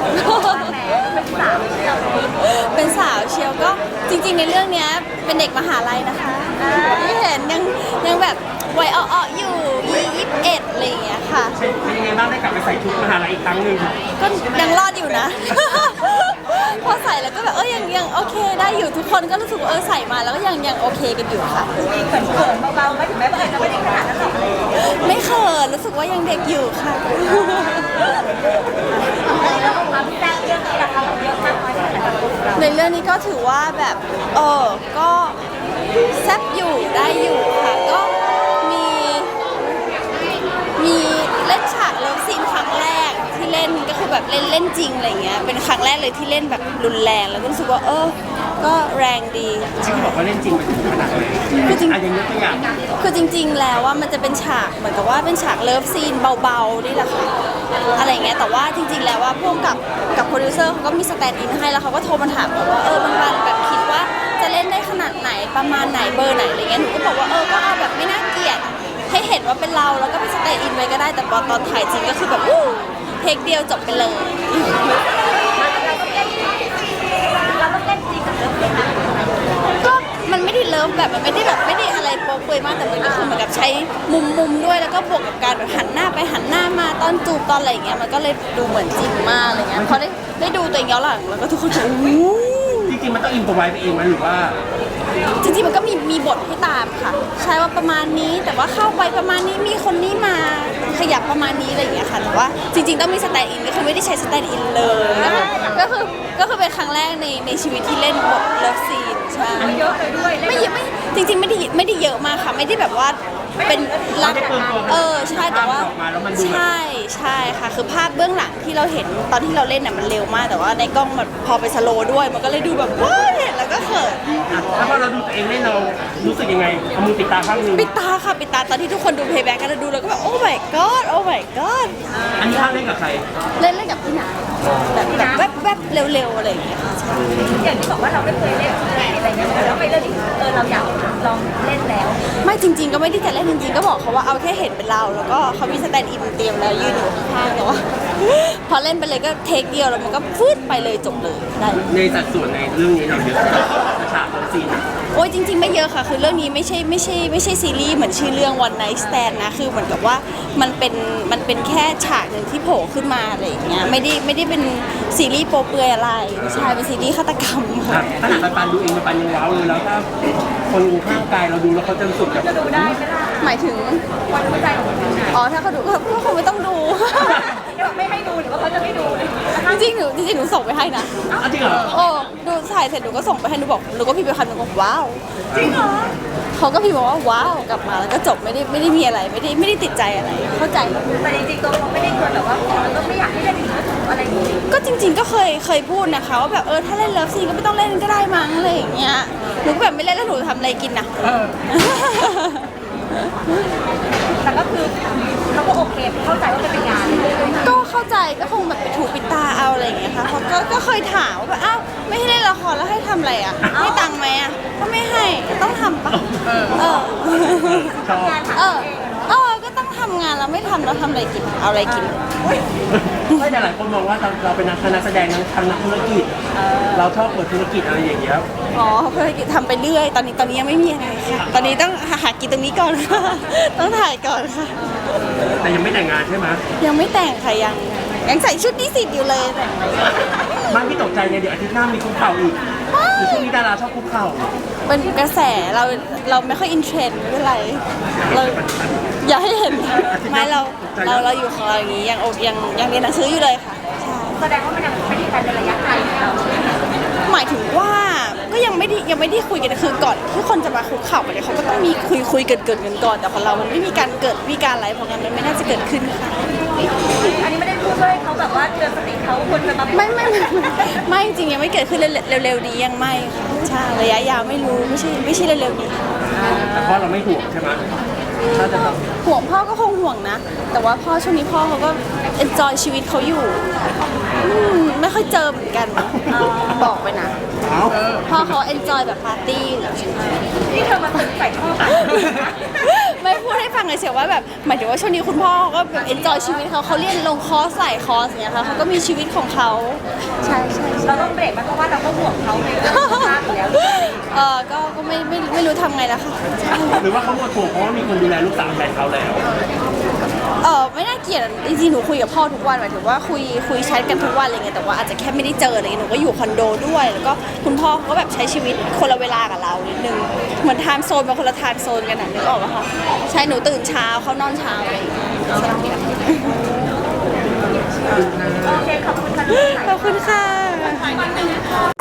เป็นสาวเชียวก็จริงๆในเรื่องนี้เป็นเด็กมหาลัยนะคะที่เห็นยังแบบวัยอ้อๆอยู่21อะไรอย่างเงี้ยค่ะเป็นยังไงบ้างได้กลับไปใส่ชุดมหาลัยอีกครั้งหนึ่งก็ยังรอดอยู่นะ พอใส่แล้วก็แบบยังโอเคได้อยู่ทุกคนก็รู้สึกว่าใส่มาแล้วก็ยังโอเคกันอยู่ค่ะเขินเบาๆไม่ถึงแม้ว่าจะไม่ได้ขนาดนั้นหรอกไม่เขินรู้สึกว่ายังเด็กอยู่ค่ะแล้วความแซ่บเรื่องนี้ราคาเยอะมากน้อยแค่ไหนในเรื่องนี้ก็ถือว่าแบบก็แซ่บอยู่ได้อยู่ค่ะก็มีเล่นฉากเลิฟซีนครั้งแรกที่เล่นก็คือแบบเล่นจริงอะไรเงี้ยเป็นครั้งแรกเลยที่เล่นแบบรุนแรงแล้วก็รู้สึกว่าก็แรงดีที่บอกว่าเล่นจริงไปถึงขนาดไหนคือจริงอย่างยกตัวอย่างคือจริงๆแล้วว่ามันจะเป็นฉากเหมือนกับว่าเป็นฉากเลิฟซีนเบาๆนี่แหละค่ะอะไรเงี้ยแต่ว่าจริงๆแล้วว่าพวกกับโปรดิวเซอร์เขาก็มีสแตนด์อินให้แล้วเขาก็โทรมาถามว่าบางๆแบบคิดว่าจะเล่นได้ขนาดไหนประมาณไหนเบอร์ไหนอะไรเงี้ยหนูก็บอกว่าก็เอาแบบไม่น่าเกลียดให้เห็นว่าเป็นเราแล้วก็ไปสแตนด์อินไว้ก็ได้แต่ตอนถ่ายจริงก็คือแบบเทคเดียวจบไปเลยเราต้องเล่นจริงกับเรื่องนี้นะก็มันไม่ได้เลิฟแบบมันไม่ได้อะไรโป๊ะเปยมากแต่มันก็คือเหมือนกับใช้มุมด้วยแล้วก็บวกกับการแบบหันหน้าไปหันหน้ามาตอนจูบตอนอะไรอย่างเงี้ยมันก็เลยดูเหมือนจริงมากอะไรเงี้ยพอได้ดูตัวเองย้อนหลังแล้วก็ทุกคนจะจริงๆมันต้องอินพอไว้ไปเองมั้ยหรือว่าจริงๆมันก็มีบทให้ตามค่ะใช่ว่าประมาณนี้แต่ว่าเข้าไปประมาณนี้มีคนนี้มาขยับประมาณนี้อะไรอย่างเงี้ยค่ะแต่ว่าจริงๆต้องมีสแตนด์อินก็คือไม่ได้ใช้สแตนด์อินเลยก็คือเป็นครั้งแรกในชีวิตที่เล่นบทเลิฟซีนใช่เยอะเลยด้วยไม่จริงๆไม่ได้เยอะมากค่ะไม่ได้แบบว่าเป็นรักใช่แต่ว่าใช่ค่ะคือภาพเบื้องหลังที่เราเห็นตอนที่เราเล่นน่ะมันเร็วมากแต่ว่าในกล้องมันพอไปสโลว์ด้วยมันก็เลยดูแบบว้าวเห็นแล้วก็เขินแล้วพอเราดูตัวเองเล่นเรารู้สึกยังไงเอามือปิดตาข้างนึงปิดตาค่ะปิดตาตอนที่ทุกคนดูเพย์แบ็กกันดูแล้วก็แบบโอ้ my god โอ้ my god อันนี้เล่นกับใครเล่นกับพี่นาแบบแวบเร็วๆอะไรอย่างเงี้ยค่ะอย่างที่บอกว่าเราไม่เคยเล่นอะไรเงี้ยแล้วไปเล่นเราอยากลองเล่นแล้วไม่จริงๆก็ไม่ได้จะเล่นจริงๆก็บอกเขาว่าเอาแค่เห็นเป็นเราแล้วก็เขามีสแตนด์อินเตรียมแล้วยืนอยู่ข้างๆแต่ว่าพอเล่นไปเลยก็เทคเดียวแล้วมันก็ฟืดไปเลยจบเลยได้ในสัดส่วนในเรื่องนี้เราเยอะฉากซีนโอ้ยจริงๆไม่เยอะค่ะคือเรื่องนี้ไม่ใช่ซีรีส์เหมือนชื่อเรื่อง One Night Stand นะคือเหมือนกับว่ามันเป็นแค่ฉากหนึ่งที่โผล่ขึ้นมาอะไรอย่างเงี้ยไม่ได้เป็นซีรีส์โป๊เปลือยอะไรใช่เป็นซีรีส์ฆาตกรรมค่ะขนาดปันดูเองปันยังว้าวเลยแล้วถ้าคนข้างกายเราดูแล้วเขาจะรู้สึกแบบจะดูได้ไม่ได้หมายถึงวันหัวใจของคนไหนถ้าเขาดูก็คงไม่ต้องดูไม่ให้ดูหรือว่าเขาจะไม่ดูเลยจริงหนูส่งไปให้นะจริงเหรอดูถ่ายเสร็จหนูก็ส่งไปให้หนูบอกหนูก็พิมพ์ไปคำหนึ่งบอกว้าวจริงเหรอเขาก็พิมพ์บอกว่าว้าวกลับมาแล้วก็จบไม่ได้มีอะไรไม่ได้ติดใจอะไรเข้าใจแต่จริงๆตัวเขาไม่ได้เคยแบบว่าก็ไม่อยากให้เล่นอะไรอย่างนี้ก็จริงๆก็เคยพูดนะคะว่าแบบถ้าเล่นเลิฟซีนก็ไม่ต้องเล่นก็ได้มั้งอะไรอย่างเงี้ยหนูก็แบบไม่เล่นแล้วหนูทำอะไรกินนะแต่ก็คือเขาก็โอเคเข้าใจว่าเป็นงานก็เข้าใจก็คงแบบไปถูปิดตาเอาอะไรอย่างเงี้ยค่ะเขาก็เคยถามว่าอ้าวไม่ให้เล่นละครแล้วให้ทำอะไรอ่ะให้ตังค์ไหมอ่ะก็ไม่ให้ต้องทำปะก็ต้องทำงานแล้วไม่ทำแล้วทำอะไรกินเอาอะไรกินไม่แต่หลายคนมองว่าเราเป็นนักแสดงทำนักธุรกิจเราชอบเปิดธุรกิจอะไรอย่างเงี้ยธุรกิจทำไปเรื่อยตอนนี้ยังไม่มีอะไรค่ะตอนนี้ต้องหากินตรงนี้ก่อนค่ะต้องถ่ายก่อนค่ะแต่ยังไม่แต่งงานใช่ไหมยังไม่แต่งค่ะยังใส่ชุดนิสิตอยู่เลยแต่บ้านพี่ตกใจไงเดี๋ยวอาทิตย์หน้ามีคุกเข่าอีกหรือช่วงนี้ดาราชอบคุกเข่าเป็นกระแสเราไม่ค่อยอินเทรนด์ไม่เป็นไรเราอย่าให้เห็นไม่เราอยู่ของเราอย่างนี้ยังเรียนหนังสืออยู่เลยค่ะแสดงว่ามันยังไม่ได้การระยะไกลหมายถึงว่าก็ยังไม่ได้คุยกันคือก่อนที่คนจะมาคุกเข่ากันเนี่ยเขาก็ต้องมีคุยเกิดกันก่อนแต่ของเรามันไม่มีการเกิดมีการอะไรเพราะงั้นมันไม่น่าจะเกิดขึ้นค่ะอันนี้ไม่ได้พูดด้วยเขาแบบว่าเตือนสติเขาควรจะไม่จริงยังไม่เกิดขึ้นเร็วๆนี้ยังไม่ค่ะใช่ระยะยาวไม่รู้ไม่ใช่เร็วๆนี้แต่พ่อเราไม่ห่วงใช่ไหมถ้าจะห่วงพ่อก็คงห่วงนะแต่ว่าพ่อช่วงนี้พ่อเขาก็เอนจอยชีวิตเขาอยู่ไม่ค่อยเจอเหมือนกันบอกไปนะพ่อเขาเอนจอยแบบปาร์ตี้อยู่นี่เธอมาตึงใส่ท่อไม่พูดให้ฟังเลยเชียวว่าว่าแบบหมายถึงว่าช่วงนี้คุณพ่อเขาก็แบบเอนจอยชีวิตเขาเรียนลงคอร์สหลายคอร์สเนี่ยค่ะเขาก็มีชีวิตของเขาใช่ใช่เราต้องเบรกมันเพราะว่าเราก็ห่วงเขาในเรื่องสุขภาพอยู่แล้วก็ไม่รู้ทำไงแล้วค่ะหรือว่าเขาหมดห่วงเพราะว่ามีคนดูแลลูกสาวแทนเขาแล้วไม่น่าเกลียดจริงๆหนูคุยกับพ่อทุกวันหมายถึงว่าคุยแชทกันทุกวันอะไรเงี้ยแต่ว่าอาจจะแค่ไม่ได้เจออะไรเงี้ยหนูก็อยู่คอนโดด้วยแล้วก็คุณพ่อเขาก็แบบใช้ชีวิตคนละเวลากับเรานิดนึงเหมือนไทม์โซนเป็นคนละไทม์โซนกันนะนึกออกปะคะใช่หนูตื่นเช้าเขานอนเช้าอะไรอย่างเงี้ยสลับกันโอเคขอบคุณค่ะขอบคุณค่ะ